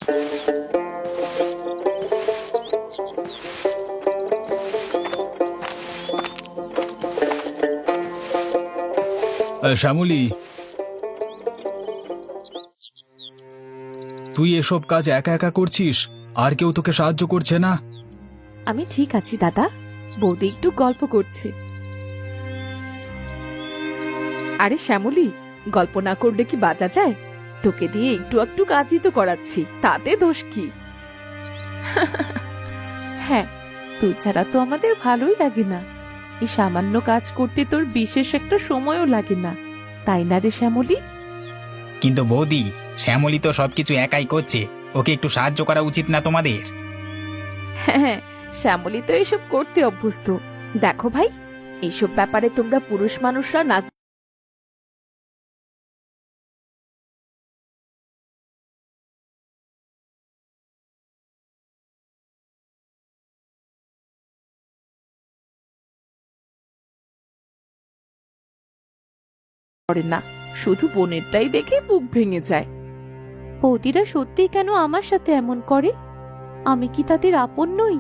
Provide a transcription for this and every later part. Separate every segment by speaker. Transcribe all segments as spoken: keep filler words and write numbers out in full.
Speaker 1: শ্যামলী, তুই এসব কাজ একা একা করছিস? আর কেউ তোকে সাহায্য করছে না?
Speaker 2: আমি ঠিক আছি দাদা, বৌদি একটু গল্প করছে। আরে শ্যামলী, গল্প না করলে কি বাঁচা যায়? তোকে দিয়ে একটু একটু কাজই তো করাচ্ছি, তাতে দোষ কি? হ্যাঁ, তুই ছাড়া তো আমাদের ভালোই লাগে না। এই সামান্য কাজ করতে তোর বিশেষ একটা সময়ও লাগে না, তাই না রে শ্যামলী?
Speaker 3: কিন্তু বৌদি, শ্যামলী তো সবকিছু একাই করছে, ওকে একটু সাহায্য করা উচিত না তোমাদের?
Speaker 2: হ্যাঁ, শ্যামলী তো এসব করতে অভ্যস্ত। দেখো ভাই, এইসব ব্যাপারে তোমরা পুরুষ মানুষরা না করে না, শুধু বোনেরটাই দেখে বুক ভেঙে যায়। বৌদিরা সত্যি কেন আমার সাথে এমন করে? আমি কি তাদের আপন নই?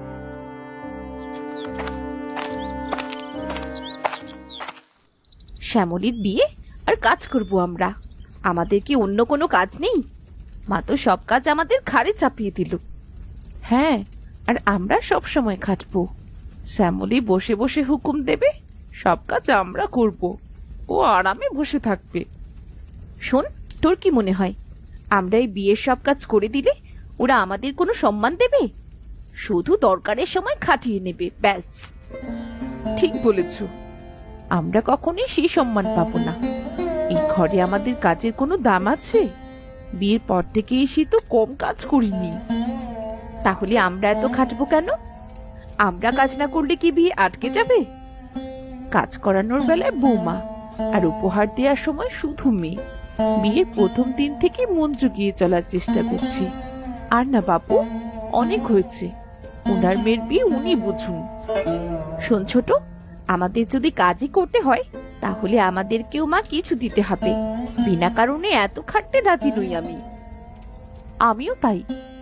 Speaker 2: শ্যামলীর বিয়ে আর কাজ করব আমরা? আমাদের কি অন্য কোনো কাজ নেই? মা তো সব কাজ আমাদের ঘাড়ে চাপিয়ে দিল। হ্যাঁ, আর আমরা সব সময় খাটবো। শ্যামলী বসে বসে হুকুম দেবে, সব কাজ আমরা করব, ও আরামে বসে থাকবে। শোন, তোর কি মনে হয় আমরা এই বিয়ের সব কাজ করে দিলে ওরা আমাদের কোনো সম্মান দেবে? শুধু দরকারের সময় খাটিয়ে নেবে, ব্যাস। ঠিক বলেছ, আমরা কখনোই সেই সম্মান পাবো না। এই ঘরে আমাদের কাজের কোনো দাম আছে? বিয়ের পর থেকে এসে তো কম কাজ করিনি। তাহলে আমরা এত খাটবো কেন? আমরা কাজ না করলে কি বিয়ে আটকে যাবে? কাজ করানোর বেলায় বৌমা, আর উপহার দেওয়ার সময় শুধু মেয়ে। বিয়ের প্রথম দিন থেকে মন জুগিয়ে চলার চেষ্টা করছি। আর না বাপু, অনেক হয়েছে। ওনার মেয়ের বিয়ে উনি বুঝুন। শোন ছোট, আমাদের যদি কাজই করতে হয় তাহলে আমাদেরকেও মা কিছু দিতে হবে। বিনা কারণে এত খাটতে রাজি নই আমি। আমিও তাই।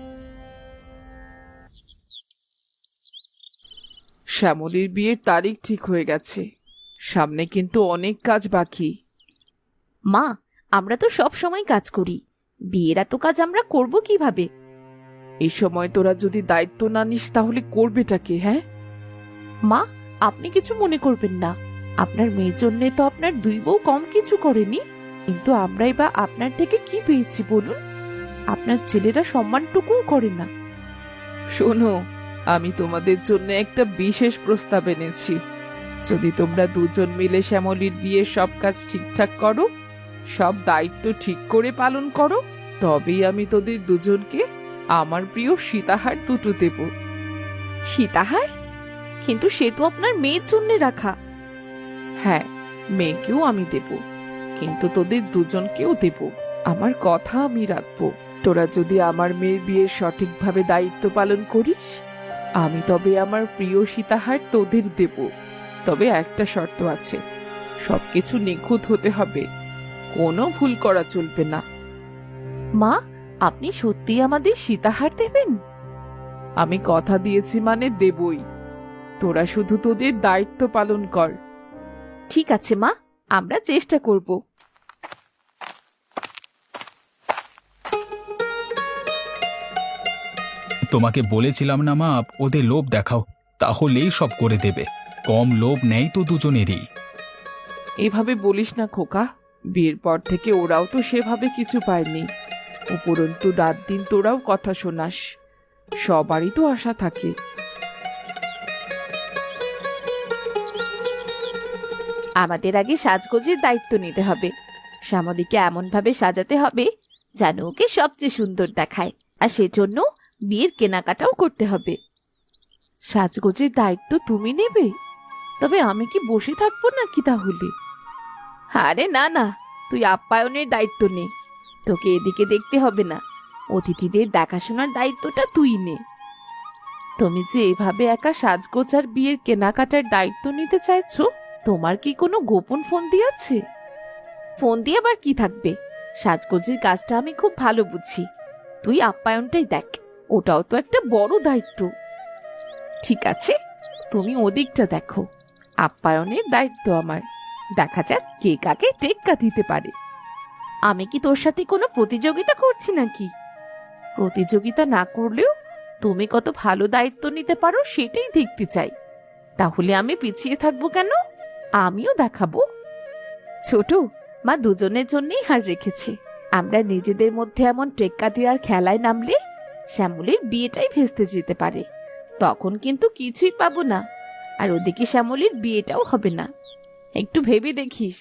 Speaker 4: শ্যামলীর বিয়ের তারিখ ঠিক হয়ে গেছে, সামনে কিন্তু অনেক কাজ বাকি।
Speaker 2: মা, আমরা তো সব সময় কাজ করি, বিয়ের এত কাজ আমরা করব কিভাবে?
Speaker 4: এই সময় তোরা যদি দায়িত্ব না নিস তাহলে করবেটা কে? হ্যাঁ
Speaker 2: মা, আপনি কিছু মনে করবেন না। আপনার মেয়ের জন্য তো আপনার দুই বউ কম কিছু করেনি, কিন্তু আমরাই বা আপনার থেকে কি পেয়েছি বলুন? আপনার ছেলেরা সম্মানটুকুও করে না।
Speaker 4: শোনো, আমি তোমাদের জন্য একটা বিশেষ প্রস্তাব এনেছি। যদি তোমরা দুজন মিলে শ্যামলীর বিয়ের সব কাজ ঠিকঠাক করো, সব দায়িত্ব ঠিক করে পালন করো, তবেই আমি তোদের দুজনকে আমার প্রিয় সীতাহার দুটো দেব।
Speaker 2: সীতাহার? কিন্তু সে তো আপনার মেয়ের জন্য রাখা।
Speaker 4: হ্যাঁ, মেয়েকেও আমি দেব, কিন্তু তোদের দুজনকেও দেব। আমার কথা আমি রাখবো। তোরা যদি আমার মেয়ের বিয়ের সঠিকভাবে দায়িত্ব পালন করিস, আমি তবে আমার প্রিয় সীতাহার তোদের দেব। তবে একটা শর্ত আছে, সবকিছু নিখুঁত হতে হবে, কোনো ভুল করা চলবে না।
Speaker 2: মা, আপনি সত্যি আমাদের সীতাহার দেবেন?
Speaker 4: আমি কথা দিয়েছি মানে দেবই। তোরা শুধু তোদের দায়িত্ব পালন কর।
Speaker 2: ঠিক আছে মা, আমরা চেষ্টা করব।
Speaker 1: তোমাকে বলেছিলাম না মা, ওদের লোভ দেখাও, তাহলেই সব করে দেবে। কম লোভ নেই তো দুজনেরই।
Speaker 4: এভাবে বলিস না খোকা, বিয়ের পর থেকে ওরাও তো সেভাবে কিছু পায়নি। উপরন্তু রাত দিন তোরাও কথা শোনাস, সবারই তো আশা থাকে।
Speaker 2: আমাদের আগে সাজগোজের দায়িত্ব নিতে হবে। শ্যামলীকে এমন ভাবে সাজাতে হবে যেন ওকে সবচেয়ে সুন্দর দেখায়, আর সেজন্য বিয়ের কেনাকাটাও করতে হবে। সাজগোজের দায়িত্ব তুমি নেবে? তবে আমি কি বসে থাকবো নাকি তাহলে? আরে না না, তুই আপ্যায়নের দায়িত্ব নে। তোকে এদিকে দেখতে হবে না, অতিথিদের দেখাশোনার দায়িত্বটা তুই নে। তুমি যে এভাবে একা সাজগোজ আর বিয়ের কেনাকাটার দায়িত্ব নিতে চাইছো, তোমার কি কোনো গোপন ফোন দিয়ে আছে? ফোন দিয়ে আবার কি থাকবে? সাজগোজের কাজটা আমি খুব ভালো বুঝি। তুই আপ্যায়নটাই দেখ, ওটাও তো একটা বড় দায়িত্ব। ঠিক আছে, তুমি ওদিকটা দেখো, আপ্যায়নের দায়িত্ব আমার। দেখা যাক কে কাকে টেক্কা দিতে পারে। আমি কি তোর সাথে কোনো প্রতিযোগিতা করছি নাকি? প্রতিযোগিতা না করলেও তুমি কত ভালো দায়িত্ব নিতে পারো সেটাই দেখতে চাই। তাহলে আমি পিছিয়ে থাকবো কেন? আমিও দেখাবো। ছোট মা দুজনের জন্যই হার রেখেছে। আমরা নিজেদের মধ্যে এমন টেক্কা দেওয়ার খেলায় নামলে শ্যামলীর বিয়েটাই ভেস্তে যেতে পারে। তখন কিন্তু কিছুই পাবো না, আর ওদিকে শ্যামলীর বিয়েটাও হবে না। একটু ভেবে দেখিস।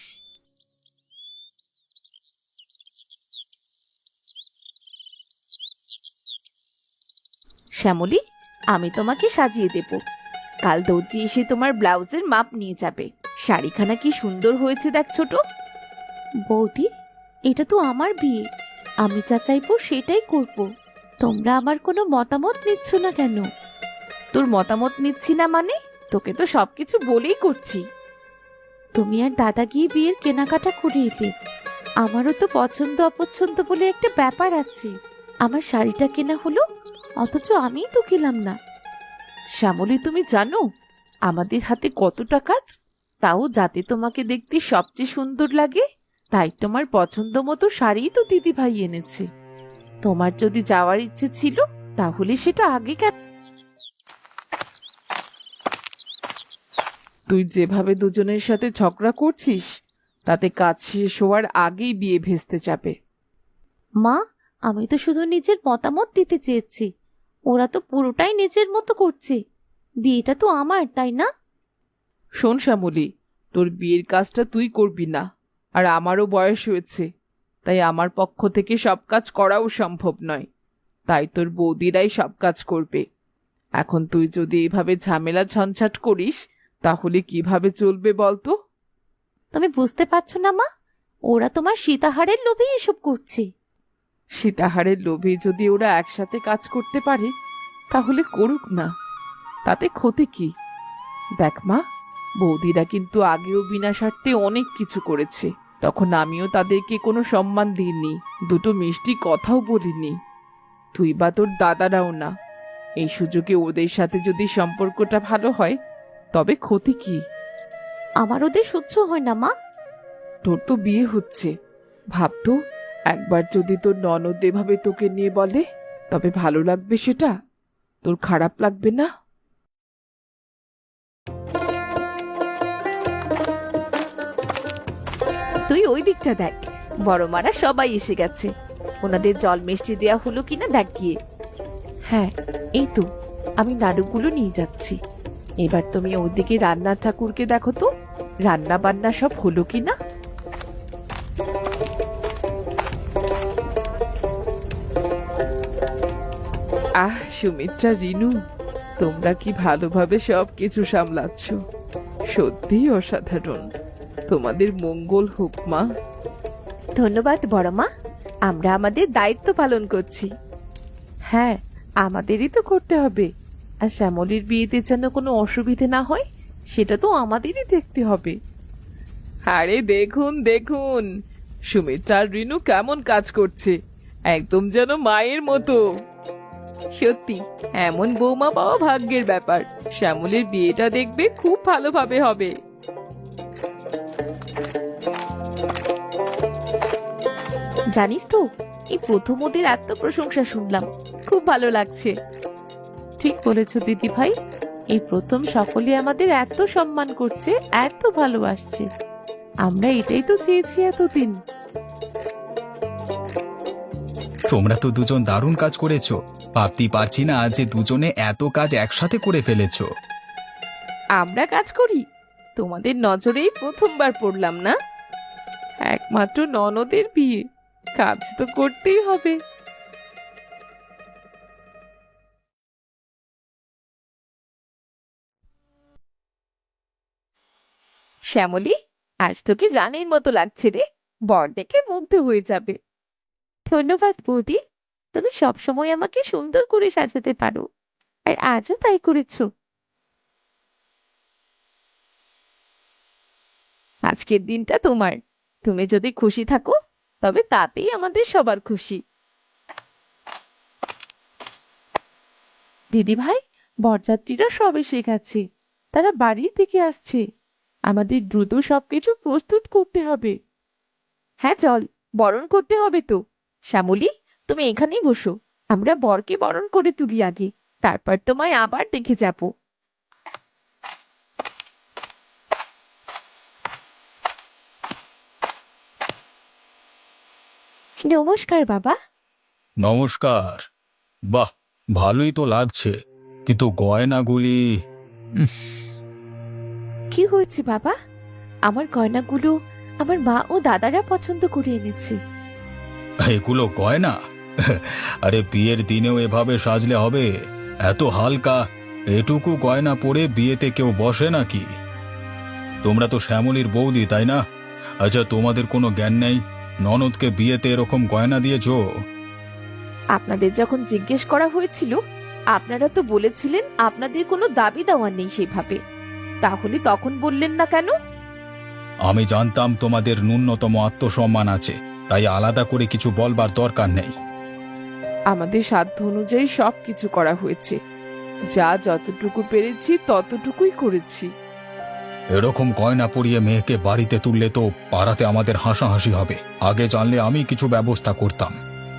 Speaker 2: শ্যামলী, আমি তোমাকে সাজিয়ে দেব। কাল দর্জি এসে তোমার ব্লাউজের মাপ নিয়ে যাবে। শাড়িখানা কি সুন্দর হয়েছে দেখ ছোট। বৌদি, এটা তো আমার বিয়ে, আমি যা চাইবো সেটাই করব। তোমরা আমার কোনো মতামত নিচ্ছ না কেন? তোর মতামত নিচ্ছি না মানে? তোকে তো সবকিছু বলেই করছি। তুমি আর দাদা গিয়ে বিয়ের কেনাকাটা করে এলে। আমারও তো পছন্দ অপছন্দ বলে একটা ব্যাপার আছে। আমার শাড়িটা কেনা হলো, অথচ আমিই তো গেলাম না। শ্যামলী, তুমি জানো আমাদের হাতে কতটা কাজ? তাও যাতে তোমাকে দেখতে সবচেয়ে সুন্দর লাগে তাই তোমার পছন্দ মতো শাড়ি তো দিদি ভাই এনেছে। তোমার যদি যাওয়ার ইচ্ছে ছিল তাহলে সেটা আগে কেন?
Speaker 4: তুই যেভাবে দুজনের সাথে ঝগড়া করছিস তাতে কাজ শেষ হওয়ার আগেই বিয়ে ভেস্তে যাবে।
Speaker 2: মা, আমি তো শুধু নিজের মতামত দিতে চেয়েছি, ওরা তো পুরোটাই নিজের মতো করছে। বিয়েটা তো আমার, তাই না?
Speaker 4: শোন শ্যামলী, তোর বিয়ের কাজটা তুই করবি না, আর আমারও বয়স হয়েছে, তাই আমার পক্ষ থেকে সব কাজ করাও সম্ভব নয়। তাই তোর বৌদিরাই সব কাজ করবে। এখন তুই যদি এভাবে ঝামেলা ঝঞ্ঝাট করিস তাহলে কিভাবে চলবে বলতো?
Speaker 2: তুমি বুঝতে পারছো না মা, ওরা তোমার সীতাহারের লোভে এসব করছে।
Speaker 4: সীতাহারের লোভে যদি ওরা একসাথে কাজ করতে পারে তাহলে করুক না, তাতে ক্ষতি কি? দেখ মা, বৌদিরা কিন্তু আগেও বিনা স্বার্থে অনেক কিছু করেছে, তখন আমিও তাদেরকে কোনো সম্মান দিইনি, দুটো মিষ্টি কথাও বলিনি। তুই বা তোর দাদারাও না। এই সুযোগে ওদের সাথে যদি সম্পর্কটা ভালো হয় তবে ক্ষতি কি?
Speaker 2: আমার ওদের সহ্য হয় না মা।
Speaker 4: তোর তো বিয়ে হচ্ছে, ভাবতো একবার যদি তোর ননদ এভাবে তোকে নিয়ে বলে তবে ভালো লাগবে? সেটা তোর খারাপ লাগবে না?
Speaker 2: তুই ওই দিকটা দেখ, বড় মারা সবাই এসে গেছে। ওনাদের জল মিষ্টি দেওয়া হলো কিনা দেখ গিয়ে।
Speaker 4: হ্যাঁ, এই তো আমি নাড়ুগুলো নিয়ে যাচ্ছি। এবার তুমি ওদিকে রান্নার ঠাকুরকে দেখো তো, রান্না বান্না সব হলো কিনা। আহ সুমিত্রা, রিনু, তোমরা কি ভালোভাবে সব কিছু সামলাচ্ছ, সত্যিই অসাধারণ। তোমাদের মঙ্গল হোক মা।
Speaker 2: ধন্যবাদ বড় মা, আমরা আমাদের দায়িত্ব পালন করছি।
Speaker 4: হ্যাঁ, আমাদেরই তো করতে হবে। আর শ্যামলীর বিয়েতে যেন কোনো অসুবিধে না হয় সেটা তো আমাদেরই দেখতে হবে। আরে দেখুন দেখুন, সুমিত্রা আর রিনু কেমন কাজ করছে, একদম যেন মায়ের মতো। সত্যি এমন বৌমা পাওয়া ভাগ্যের ব্যাপার। শ্যামলীর বিয়েটা দেখবে খুব ভালোভাবে হবে।
Speaker 2: জানিস তো, এই প্রথম ওদের এত প্রশংসা শুনলাম, খুব ভালো লাগছে।
Speaker 4: ঠিক বলেছ দিদি ভাই, এই প্রথম সকলে আমাদের এত সম্মান করছে, এত ভালোবাসছে। আমরা এটাই তো চেয়েছি এতদিন।
Speaker 1: তোমরা তো দুজন দারুণ কাজ করেছো। ভাবতেই পারছি না যে দুজনে এত কাজ একসাথে করে ফেলেছো।
Speaker 2: আমরা কাজ করি? তোমাদের নজরেই প্রথমবার পড়লাম না?
Speaker 4: একমাত্র ননদের বিয়ে, কাজ তো করতেই হবে।
Speaker 2: শ্যামলী, আজ তোকে রানীর মতো লাগছে রে, বর দেখে মুগ্ধ হয়ে যাবে। ধন্যবাদ বৌদি, তুমি সবসময় আমাকে সুন্দর করে সাজাতে পারো, আর আজও তাই করেছো। আজকের দিনটা তোমার, তুমি যদি খুশি থাকো তবে তাতেই আমাদের সবার খুশি।
Speaker 4: দিদি ভাই, বরযাত্রীরা সব এসে গেছে। তারা বাড়ি থেকে আসছে। আমাদের দ্রুত সবকিছু প্রস্তুত করতে হবে।
Speaker 2: হ্যাঁ চল, বরণ করতে হবে তো। শ্যামলী, তুমি এখানেই বসো। আমরা বরকে বরণ করে তুলি আগে, তারপর তোমায় আবার দেখে যাব। নমস্কার বাবা।
Speaker 1: নমস্কার। বাহ, ভালোই তো লাগছে, কিন্তু গয়নাগুলি।
Speaker 2: কি হয়েছে বাবা? আমার গয়নাগুলো আমার মা ও দাদারা পছন্দ করে এনেছে।
Speaker 1: এগুলো গয়না? আরে বিয়ের দিনেও এভাবে সাজলে হবে? এত হালকা, এটুকু গয়না পরে বিয়েতে কেউ বসে নাকি? তোমরা তো শ্যামলীর বৌদি, তাই না? আচ্ছা, তোমাদের কোনো জ্ঞান নেই? ননদকে বিয়েতে এরকম গয়না দিয়েছো?
Speaker 2: আপনাদের যখন জিজ্ঞেস করা হয়েছিল, আপনারা তো বলেছিলেন আপনাদের কোনো দাবি দেওয়া নেই সেভাবে। তাহলে তখন বললেন না কেন?
Speaker 1: আমি জানতাম তোমাদের ন্যূনতম আত্মসম্মান আছে, তাই আলাদা করে কিছু বলবার দরকার নেই।
Speaker 4: আমাদের সাধ্য অনুযায়ী সব কিছু করা হয়েছে। যা যতটুকু পেরেছি ততটুকুই করেছি।
Speaker 1: এরকম গয়না পরিয়ে মেয়েকে বাড়িতে তুললে তো পাড়াতে আমাদের হাসাহাসি হবে। আগে জানলে আমি কিছু ব্যবস্থা করতাম।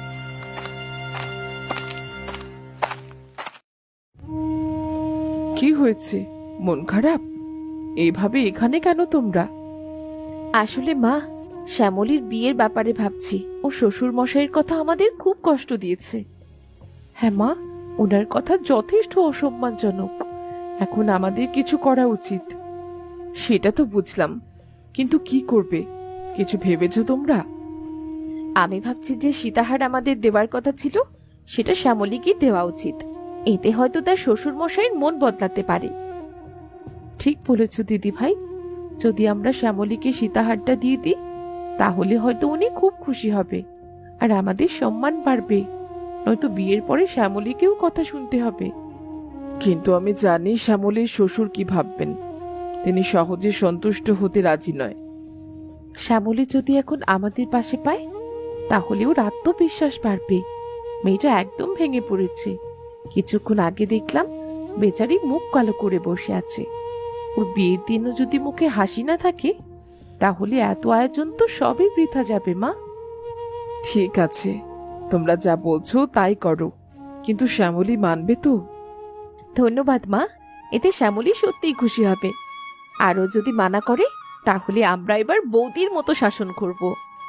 Speaker 4: কি হয়েছে? মন খারাপ? এইভাবে এখানে কেন তোমরা?
Speaker 2: আসলে মা, শ্যামলীর বিয়ের ব্যাপারে ভাবছি। ও শ্বশুর মশাইয়ের কথা আমাদের খুব কষ্ট দিয়েছে।
Speaker 4: হ্যাঁ মা, ওনার কথা যথেষ্ট অসম্মানজনক। এখন আমাদের কিছু করা উচিত। সেটা তো বুঝলাম, কিন্তু কি করবে? কিছু ভেবেছো তোমরা?
Speaker 2: আমি ভাবছি যে সীতাহার আমাদের দেওয়ার কথা ছিল, সেটা শ্যামলীকে দেওয়া উচিত। এতে হয়তো তার শ্বশুর মশাইয়ের মন বদলাতে পারে।
Speaker 4: ঠিক বলেছ দিদি ভাই। যদি আমরা শ্যামলীকে সীতাহারটা দিয়ে দিই, তাহলে হয়তো উনি খুব খুশি হবে, আর আমাদের সম্মান বাড়বে। নয়তো বিয়ের পরে শ্যামলীকেও কথা শুনতে হবে। কিন্তু আমি জানি শ্যামলীর শ্বশুর কি ভাববেন। তিনি সহজে সন্তুষ্ট হতে রাজি নয়। শ্যামলী যদি এখন আমাদের পাশে পায়, তাহলে ওর আত্মবিশ্বাস বাড়বে। মেয়েটা একদম ভেঙে পড়েছে। কিছুক্ষণ আগে দেখলাম বেচারি মুখ কালো করে বসে আছে। ওর বিয়ের দিনও যদি মুখে হাসি না থাকে, তাহলে এত আয়োজন তো সবই বৃথা যাবে মা। ঠিক আছে, তোমরা যা বলছো তাই করো, কিন্তু শ্যামলী মানবে তো?
Speaker 2: ধন্যবাদ মা, এতে শ্যামলী সত্যিই খুশি হবে। আরও যদি মানা করে, তাহলে আমরা এবার বৌদির মতো শাসন করব।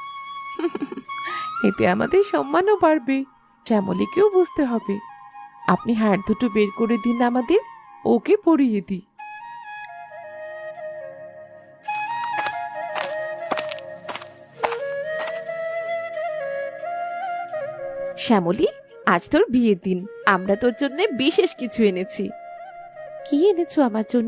Speaker 4: এতে আমাদের সম্মানও বাড়বে। শ্যামলীকেও বুঝতে হবে। আপনি হাড় দুটো বের করে দিন আমাদের, ওকে পরিয়ে দিই।
Speaker 2: শ্যামলী, আজ তোর বিয়ের দিন। আমরা তোর জন্য বিশেষ কিছু এনেছি। কি এনেছো আমার জন্য?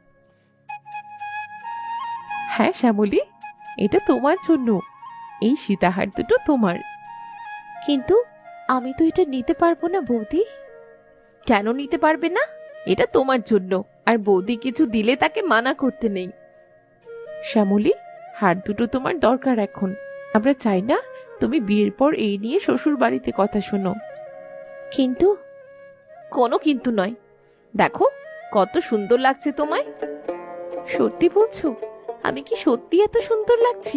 Speaker 4: হ্যাঁ শ্যামলী, এটা তোমার জন্য। এই সীতাহার দুটো তোমার।
Speaker 2: কিন্তু আমি তো এটা নিতে পারবো না বৌদি। কেন নিতে পারবে না? এটা তোমার জন্য, আর বৌদি কিছু দিলে তাকে মানা করতে নেই।
Speaker 4: শ্যামলী, হার দুটো তোমার দরকার এখন। আমরা চাই না তুমি বিয়ের পর এই নিয়ে শ্বশুর বাড়িতে কথা শোনো।
Speaker 2: কিন্তু কোনো কিন্তু নয়। দেখো কত সুন্দর লাগছে তোমায়। সত্যি বলছো? আমি কি সত্যি এত সুন্দর লাগছি?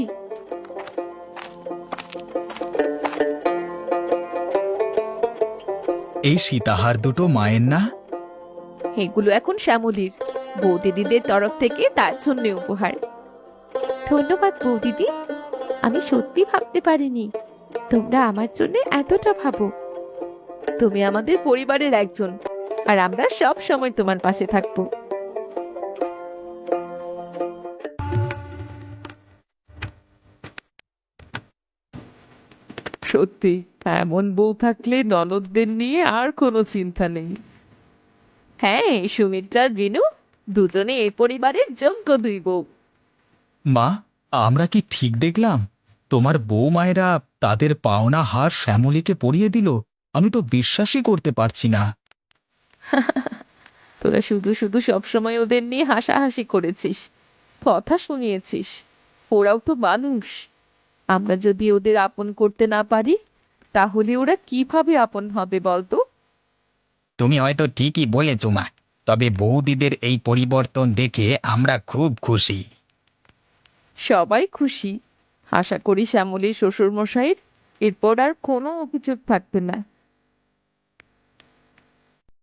Speaker 1: এই সীতাহার দুটো মায়ের না?
Speaker 2: এগুলো এখন শ্যামলীর। বৌদিদিদের তরফ থেকে তার জন্য উপহার। ধন্যবাদ বৌদিদি। আমি সত্যি ভাবতে পারিনি তোমরা আমার জন্য এতটা ভাবো। তুমি আমাদের পরিবারের একজন, আর আমরা সব সময় তোমার পাশে থাকবো।
Speaker 4: সত্যি, এমন বউ থাকলে ননদদের নিয়ে আর কোনো চিন্তা নেই।
Speaker 2: হ্যাঁ, সুমিত্রা আর রিনু দুজনে এই পরিবারের যোগ্য দুই বউ।
Speaker 1: মা, আমরা কি ঠিক দেখলাম? তোমার বউ মায়েরা তাদের পাওনা হার শ্যামলীকে পরিয়ে দিল? আমি তো বিশ্বাসই করতে পারছি না।
Speaker 2: তোরা শুধু শুধু সবসময় ওদের নিয়ে হাসাহাসি করেছিস, কথা শুনিয়েছিস। ওরাও তো মানুষ। আমরা যদি ওদের আপন করতে না পারি, তাহলে ওরা কিভাবে আপন হবে বলতো?
Speaker 3: তুমি হয়তো ঠিকই বলেছ মা, তবে বৌদিদের এই পরিবর্তন দেখে আমরা খুব খুশি।
Speaker 4: সবাই খুশি। আশা করি শ্যামলীর শ্বশুর মশাইয়ের এরপর আর কোনো অভিযোগ থাকবে না।